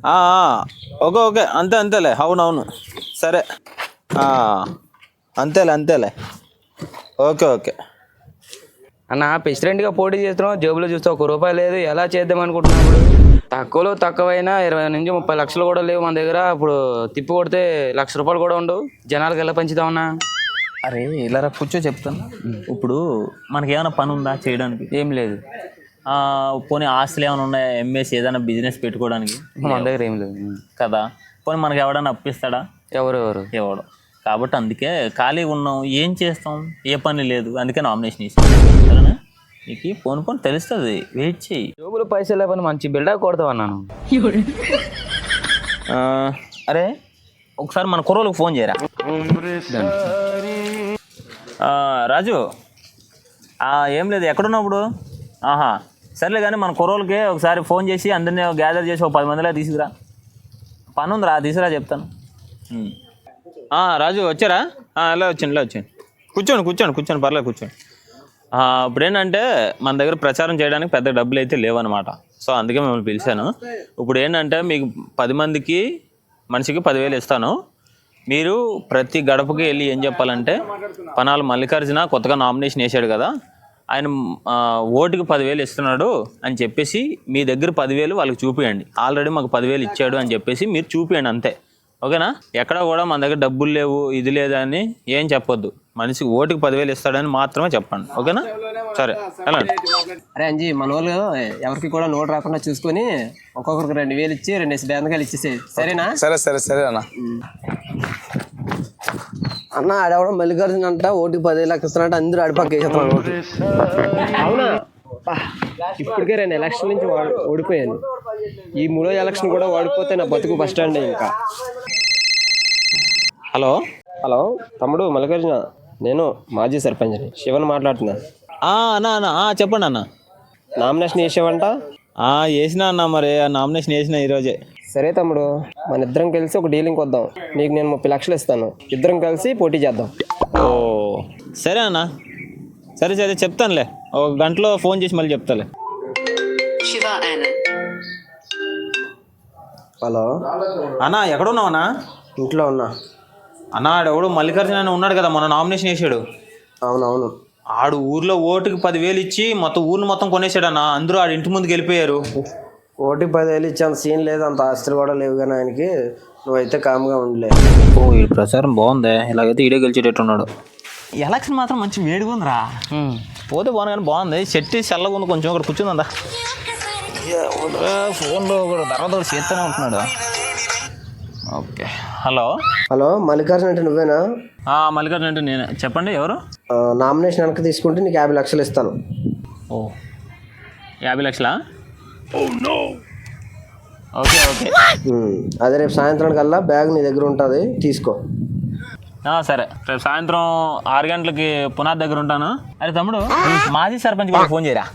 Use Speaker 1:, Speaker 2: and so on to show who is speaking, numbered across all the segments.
Speaker 1: Okay okay అంతేలే. అవునవును సరే అంతేలే. ఓకే
Speaker 2: అన్న ప్రెసిడెంట్గా పోటీ చేస్తున్నావు, జేబులో చూస్తే ₹1 లేదు. ఎలా చేద్దాం అనుకుంటున్నావు? ఇప్పుడు తక్కువలో తక్కువైనా 20 నుంచి 30 లక్షలు కూడా లేవు మన దగ్గర. ఇప్పుడు తిప్పి కొడితే ₹1,00,000 కూడా ఉండవు. జనాలకు ఎలా పంచుతామన్నా?
Speaker 1: అరే ఇలా కూర్చో చెప్తాను. ఇప్పుడు మనకి ఏమైనా పని ఉందా చేయడానికి?
Speaker 2: ఏం లేదు.
Speaker 1: పోనీ ఆస్తులు ఏమైనా ఉన్నాయా? ఎంఎస్ ఏదైనా బిజినెస్ పెట్టుకోవడానికి?
Speaker 2: మన దగ్గర ఏం లేదు
Speaker 1: కదా. పోనీ మనకి ఎవడన్నా అప్పిస్తాడా? ఎవడు. కాబట్టి అందుకే ఖాళీ ఉన్నాం, ఏం చేస్తాం, ఏ పని లేదు, అందుకే నామినేషన్ వేసాం. సరేనా? నీకు పోను తెలుస్తుంది, వెయిట్ చెయ్యి.
Speaker 2: జోబులు పైసలు లేకపోతే మంచి బిల్డప్ కొడతావు అన్నాను.
Speaker 1: అరే ఒకసారి మన కుర్రోళ్ళకి ఫోన్ చేయరా. రాజు ఏం లేదు, ఎక్కడున్నావు ఇప్పుడు? సర్లే కానీ మన కుర్రోళ్ళకి ఒకసారి ఫోన్ చేసి అందరినీ గ్యాదర్ చేసి 10 మందిలా తీసుకురా. పని ఉందిరా, తీసుకురా చెప్తాను. రాజు వచ్చారా? ఇలా వచ్చాను. కూర్చోండి పర్లేదు కూర్చోండి. ఇప్పుడు ఏంటంటే మన దగ్గర ప్రచారం చేయడానికి పెద్ద డబ్బులు అయితే లేవన్నమాట. సో అందుకే మిమ్మల్ని పిలిచాను. ఇప్పుడు ఏంటంటే మీకు 10 మందికి మనిషికి 10,000 ఇస్తాను. మీరు ప్రతి గడపకి వెళ్ళి ఏం చెప్పాలంటే, పనాల మల్లికార్జున కొత్తగా నామినేషన్ వేసాడు కదా, ఆయన ఓటుకి 10,000 ఇస్తున్నాడు అని చెప్పేసి మీ దగ్గర 10,000 వాళ్ళకి చూపియండి. ఆల్రెడీ మాకు 10,000 ఇచ్చాడు అని చెప్పేసి మీరు చూపియండి అంతే. ఓకేనా? ఎక్కడ కూడా మన దగ్గర డబ్బులు లేవు, ఇది లేదని ఏం చెప్పొద్దు. మనిషికి ఓటుకి 10,000 ఇస్తాడని మాత్రమే చెప్పండి. ఓకేనా? సరే వెళ్ళండి.
Speaker 3: అరే అంజీ, మన వాళ్ళు ఎవరికి కూడా నోటు రాకుండా చూసుకొని ఒక్కొక్కరికి 2,000 ఇచ్చి 2 బేందకాయలు ఇచ్చేసే. సరేనా?
Speaker 4: సరే అన్న.
Speaker 3: అన్న ఆడవడం మల్లికార్జున అంట ఓటుకి 10,000 ఇస్తున్నట్టు అందరూ అడిపక్క వేసేస్తున్నాడు ఓటు. అవునా? ఇప్పటికే 2 ఎలక్షన్ నుంచి ఓడిపోయాను. ఈ 3వ ఎలక్షన్ కూడా ఓడిపోతే నా బతుకు బస్ స్టాండ్. ఇంకా హలో తమ్ముడు మల్లికార్జున, నేను మాజీ సర్పంచ్ని శివన్ మాట్లాడుతున్నా.
Speaker 1: అన్నా చెప్పండి అన్న.
Speaker 3: నామినేషన్ వేసావంట?
Speaker 1: వేసినా అన్న. మరి నామినేషన్ వేసిన ఈరోజే.
Speaker 3: సరే తమ్ముడు, మన ఇద్దరం కలిసి ఒక డీలింగ్ వద్దాం. నీకు నేను 30 లక్షలు ఇస్తాను, ఇద్దరం కలిసి పోటీ చేద్దాం.
Speaker 1: సరే అన్న. సరే చెప్తానులే, 1 గంటలో ఫోన్ చేసి మళ్ళీ చెప్తాలే.
Speaker 3: హలో
Speaker 1: అన్న, ఎక్కడున్నావు అన్నా?
Speaker 3: ఇంట్లో ఉన్నా
Speaker 1: అన్న. ఆడెవడు మల్లికార్జున అని ఉన్నాడు కదా, మొన్న నామినేషన్ వేసాడు.
Speaker 3: అవునవును.
Speaker 1: ఆడు ఊర్లో ఓటుకి 10,000 ఇచ్చి ఊరిని మొత్తం కొనేసాడు అన్న. అందరూ ఆడి ఇంటి ముందుకు వెళ్ళిపోయారు.
Speaker 3: ఓటుకి 10,000 ఇచ్చి అంత సీన్ లేదు, అంత ఆస్తులు కూడా లేవు. కానీ ఆయనకి నువ్వైతే కామ్గా ఉండలే.
Speaker 1: ఈ ప్రచారం బాగుంది. ఇలాగైతే ఈడే గెలిచేటట్టున్నాడు. ఎలక్షన్ మాత్రం మంచి వేడిగా ఉందిరా. పోతే బాగుంది కానీ బాగుంది. చెట్టు చల్లగా ఉంది కొంచెం. ఇక్కడ కూర్చుందా ఫోన్లో తర్వాత చేస్తూనే ఉంటున్నాడు. ఓకే. హలో
Speaker 3: మల్లికార్జున అంటే నువ్వేనా?
Speaker 1: మల్లికార్జున అంటే నేనే. చెప్పండి, ఎవరు?
Speaker 3: నామినేషన్ వెనక్కి తీసుకుంటే నీకు 50 లక్షలు ఇస్తాను.
Speaker 1: 50 లక్షలా? ఓకే.
Speaker 3: అదే రేపు సాయంత్రం కల్లా బ్యాగ్ నీ దగ్గర ఉంటుంది, తీసుకో.
Speaker 1: సరే, రేపు సాయంత్రం 6 గంటలకి పునాది దగ్గర ఉంటాను. అరే తమ్ముడు, మాజీ సర్పంచ్ కూడా ఫోన్ చేయరా.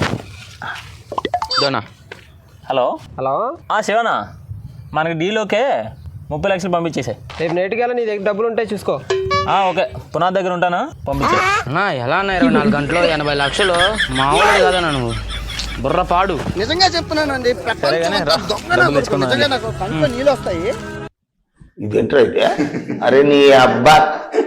Speaker 1: హలో శివనా, మనకి డీలోకే 30 లక్షలు పంపించేసాయి.
Speaker 3: రేపు నేటికల్లా నీ దగ్గర డబ్బులు ఉంటాయి, చూసుకో.
Speaker 1: ఓకే, పునాది దగ్గర ఉంటాను, పంపించే.
Speaker 2: ఎలా అన్నా 24 గంటలో 80 లక్షలు మామూలు కాదన్నా. నువ్వు బుర్ర పాడు.
Speaker 4: నిజంగా చెప్తున్నానండి, ఇదేంటో అయితే. అరే నీ అబ్బా